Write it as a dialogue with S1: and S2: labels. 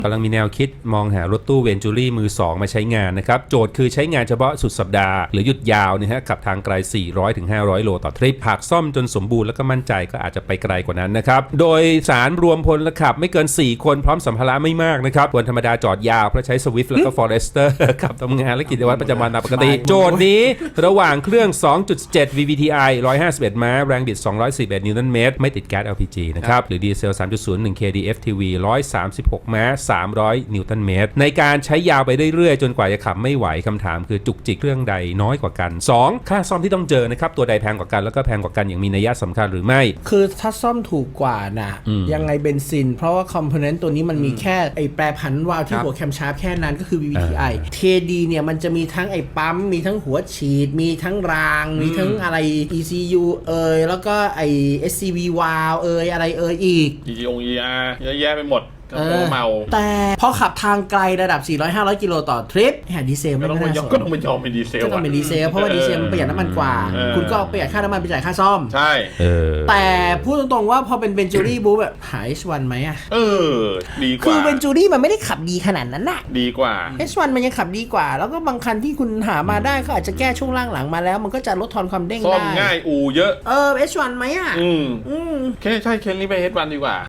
S1: กำลังมีแนวคิดมองหารถตู้เวนจูรี่มือ2มาใช้งานนะครับโจทย์คือใช้งานเฉพาะสุดสัปดาห์หรือหยุดยาวนะฮะขับทางไกล 400-500 โลต่อทริปหากซ่อมจนสมบูรณ์แล้วก็มั่นใจก็อาจจะไปไกลกว่านั้นนะครับโดยสารรวมพลขับไม่เกิน4คนพร้อมสัมภาระไม่มากนะครับวันธรรมดาจอดยาวเพราะใช้ Swift แล้วก็ Forester ขับทำงานและกิจวัตรประจำวันตามปกติโจทย์นี้ระหว่างเครื่อง 2.7 VVTi 151 ม้าแรงบิด 211 นิวตันเมตรไม่ติดแก๊ส LPG นะครับหรือดีเซล 3.01 kdftv 136 ม้า 300 นิวตันเมตรในการใช้ยาวไปเรื่อยๆจนกว่าจะขับไม่ไหวคำถามคือจุกจิกเครื่องใดน้อยกว่ากัน 2. ค่าซ่อมที่ต้องเจอนะครับตัวใดแพงกว่ากันแล้วก็แพงกว่ากันอย่างมีนัยสำคัญหรือไม่
S2: คือถ้าซ่อมถูกกว่านะยังไงเบนซินเพราะว่าคอมโพเนนต์ตัวนี้มันมีแค่ไอแปรผันวาล์วที่หัวแคมชาร์ปแค่นั้นก็คือ VVTi KD เนี่ยมันจะมีทั้งไอปั๊มมีทั้งหัวฉีดมีทั้งรางมีทั้งอะไร ECU แล้วก็ไอ SCV วาล์วอะไรอีก
S3: ER เยอะแยะไปหมดเมา
S2: แต่พอขับทางไกลระดับ 400-500 กิโลต่อทริปดีเซลไม่น่าสนก็ต้อง
S3: เป็นยอมเป็นดีเซล
S2: ก็ต้องเป็นดีเซลเพราะว่าดีเซลมันประหยัดน้ำมันกว่าคุณก็ประหยัดค่าน้ำมันไปจ่ายค่าซ่อม
S3: ใช่
S2: แต่พูดตรงๆว่าพอเป็นเบนจูรี่บู๊แบบหา H1 ไหมอะ
S3: ดีกว่า
S2: คือเบนจูรี่มันไม่ได้ขับดีขนาดนั้นน่ะ
S3: ดีกว่า
S2: H1 มันยังขับดีกว่าแล้วก็บางคันที่คุณหามาได้ก็อาจจะแก้ช่วงล่างหลังมาแล้วมันก็จะลดทอนความเด้งได้
S3: ซ่อมง่ายอู่เยอะ
S2: H1 ไหมอะ
S3: ใช่เคนรีบไป H1 ดีกว่า